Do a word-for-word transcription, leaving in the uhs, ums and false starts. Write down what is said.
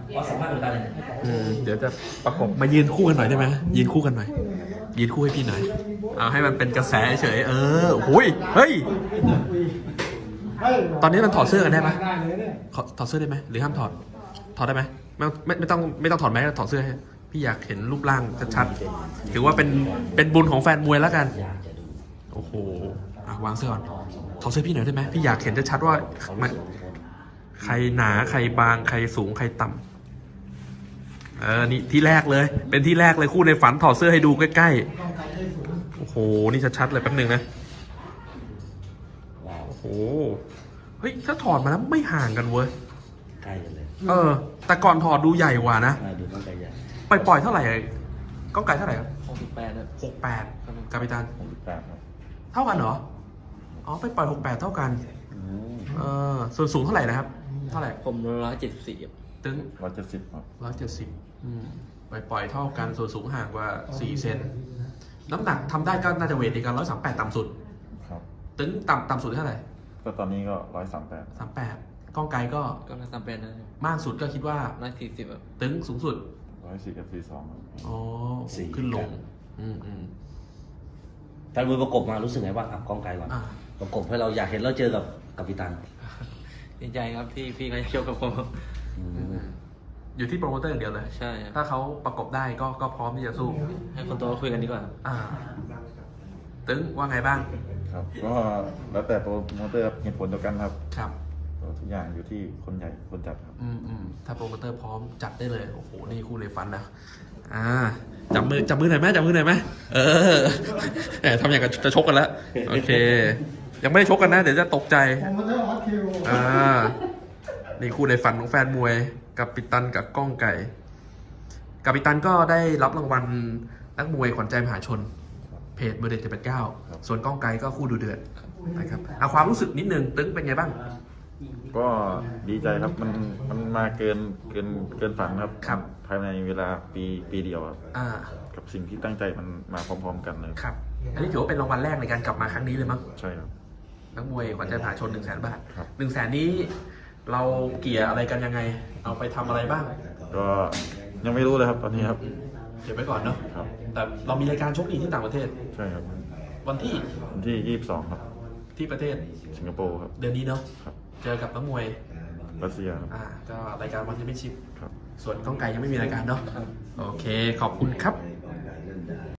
ขอสัมภาษณ์หน่อยได้เลยอืมเดี๋ยวจะประกบมายืนคู่กันหน่อยได้ไหมยืนคู่กันหน่อยยืนคู่ให้พี่หน่อยเอาให้มันเป็นกระแสเฉยเออหุยเฮ้ยตอนนี้มันถอดเสื้อกันได้ไหมถอดเสื้อได้ไหมหรือห้ามถอดถอดได้ไหมไม่ไม่ไม่ต้องไม่ต้องถอดแมสถอดเสื้อให้พี่อยากเห็นรูปร่างชัดๆถือว่าเป็นเป็นบุญของแฟนมวยแล้วกันโอ้โหอ่ะวางเสื้อก่อนถอดเสื้อพี่หน่อยได้ไหมพี่อยากเห็นชัดๆว่ามันใครหนาใครบางใครสูงใครต่ำเออนี่ที่แรกเลยเป็นที่แรกเลยคู่ในฝันถอดเสื้อให้ดูใกล้ๆโอ้โหนี่ชัดๆเลยแป๊บนึงนะโอ้โหเฮ้ยถ้าถอดมาแล้วไม่ห่างกันเว้ยใกล้กันเลยเออแต่ก่อนถอดดูใหญ่กว่านะดูก้องไก่ใหญ่ปล่อยปล่อยเท่าไหร่ก้องไก่เท่าไหร่ครับหกสิบแปดนะหกแปดกาปิตันหกสิบแปดครับเท่ากันเหรออ๋อไปปล่อยหกแปดเท่ากันเออส่วนสูงเท่าไหร่นะครับเท่าไหร่ผมร้อยเจ็ดสิบสี่ตึ้งร้อยเจ็ดสิบครับร้อยเจ็ดสิบไปปล่อยเท่ากันส่วนสูงห่างกว่าสี่เซนน้ำหนักทำได้ก็น่าจะเวทดีกันร้อยสามแปดต่ำสุดครับตึ้งต่ำต่ำสุดเท่าไหร่ก็ตอนนี้ก็ร้อยสามแปดสามแปดก้องไกลก็ก็ร้อยสามแปดนะมากสุดก็คิดว่าร้อยสี่สิบแบบตึ้งสูงสุดร้อยสี่กับสี่สองอ๋อขึ้นลงอืมอืมแฟนมวยประกบมารู้สึกไงบ้างครับก้องไกลก่อนประกบให้เราอยากเห็นเราเจอกับกัปตันดีใจครับที่พี่เขาจะชกกับผมอยู่ที่โปรโมเตอร์อย่างเดียวเลยใช่ถ้าเขาประกบได้ก็ก็พร้อมที่จะสู้ให้คนโตคุยกันดีกว่าอ่าตึ้งว่าไงบ้างครับก็แล้วแต่โปรโมเตอร์เหตุผลเดียวกันครับครับทุกอย่างอยู่ที่คนใหญ่คนจัดครับอืมอืมถ้าโปรโมเตอร์พร้อมจัดได้เลยโอ้โหนี่คู่เลยฟันนะอ่าจับมือจับมือหน่อยไหมจับมือหน่อยไหมเออแหมทำอย่างกับจะชกกันแล้วโอเคยังไม่ได้ชกกันนะเดี๋ยวจะตกใจอ่านี่คู่ในฝันของแฟนมวยกัปตันกับก้องไก่กัปตันก็ได้รับรางวัลนักมวยขวัญใจมหาชนเพจเบอร์เดนเจ็ดแปดเก้าส่วนก้องไก่ก็คู่ดูเดือดนะครับเอาความรู้สึกนิดนึงตึ้งเป็นไงบ้างก็ดีใจครับมันมันมาเกินเกินเกินฝันครับครับภายในเวลาปีปีเดียวครับอ่ากับสิ่งที่ตั้งใจมันมาพร้อมๆกันเลยครับอันนี้ถือว่าเป็นรางวัลแรกในการกลับมาครั้งนี้เลยมั้งใช่ครับนักมวยขวัญใจมหาชนหนึ่งแสนบาทหนึ่งแสนนี้เราเกี่ยอะไรกันยังไงเอาไปทำอะไรบ้างก็ยังไม่รู้เลยครับตอนนี้ครับเก็บไว้ก่อนเนาะแต่เรามีรายการชกอีกที่ต่างประเทศใช่ครับวันที่วันที่ยี่สิบสองครับที่ประเทศสิงคโปร์ครับเดือนนี้เนาะเจอกับนักมวยรัสเซียอ่าก็รายการวันแชมเปี้ยนชิพครับส่วนก้องไก่ยังไม่มีรายการเนาะโอเคขอบคุณครับ